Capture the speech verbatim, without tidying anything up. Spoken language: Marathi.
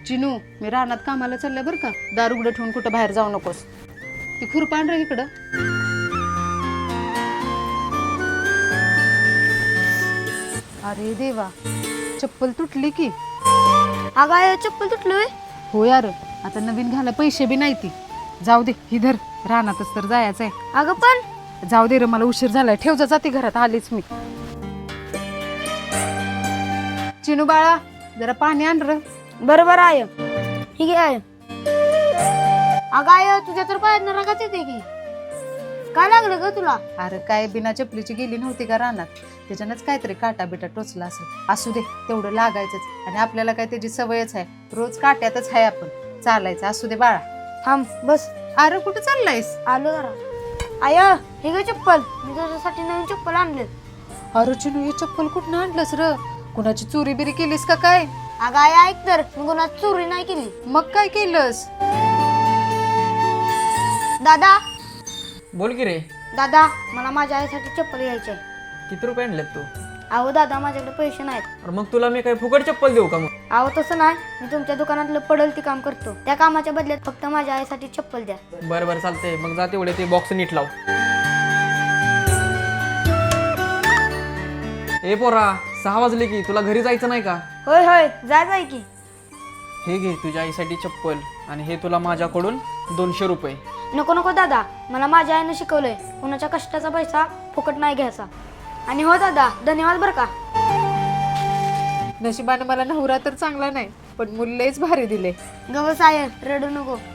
चिनू मी रानात कामाला चालल्या बरं का, दार उघडं ठेवून कुठं बाहेर जाऊ नकोस. ती खुरपान रे इकडं. अरे देवा, चप्पल तुटली की. अगं आय चप्पल तुटलोय. हो यार, आता नवीन घाला पैसे बी नाही ती. जाऊ दे, ही धर, रानातच तर जायचंय. अगं पण जाऊ दे रे, मला उशीर झालाय. ठेव जा, जाते घरात, आलीच मी. चिनू बाळा, जरा पाणी आण र. बरोबर आहे. ठीक आहे. अगं आय तुझ्या तर पायात रगाच येते की, काय लागलं ग तुला? अरे काय, बिना चपलीची गेली नव्हती का रानात, त्याच्यानंच काहीतरी काटा बिटा टोचला असेल. असू दे, तेवढं लागायचंच. आणि आपल्याला काय त्याची सवयच आहे, रोज काट्यातच आहे आपण चालायचं. असू दे बाळा. थांब बस. अरे कुठं चाललायस? आलो जरा. आय हे ग चप्पल, मी तुझ्यासाठी नवीन चप्पल आणले. अरे चिनू, हे चप्पल कुठं आणलंस र? कुणाची चोरी बिरी केलीस का काय? अगं आय ऐक तर, मी कोणाची चोरी नाही केली. मग काय केलंस? दादा बोल की रे. दादा मला माझ्या आईसाठी चप्पल घ्यायची आहे. किती रुपये आणलेत तू? अहो दादा माझ्याकडे पैसे नाहीत. अरे मग तुला मी काय फुकट चप्पल देऊ का मग? अहो तसं नाही, मी तुमच्या दुकानातलं पडल ते काम करतो. त्या कामाच्या बदल्यात फक्त माझ्या आईसाठी चप्पल द्या. बरं बरं चालतंय, मग जा तेवढे ते बॉक्स नीट लाव. ए पोरा, सहा वाजले की, तुला घरी जायचं नाही का? होय होय जाय जाय की. हे घे तुझ्या आईसाठी चप्पल, आणि हे तुला माझ्याकडून दोनशे रुपये. नको नको दादा, मला माझ्या आईनं शिकवलंय कुणाच्या कष्टाचा पैसा फुकट नाही घ्यायचा. आणि हो दादा, धन्यवाद बरं का. नशिबाने मला नवरा तर चांगला नाही, पण मुललेच भारी दिले. गवस आहे, रडू नको.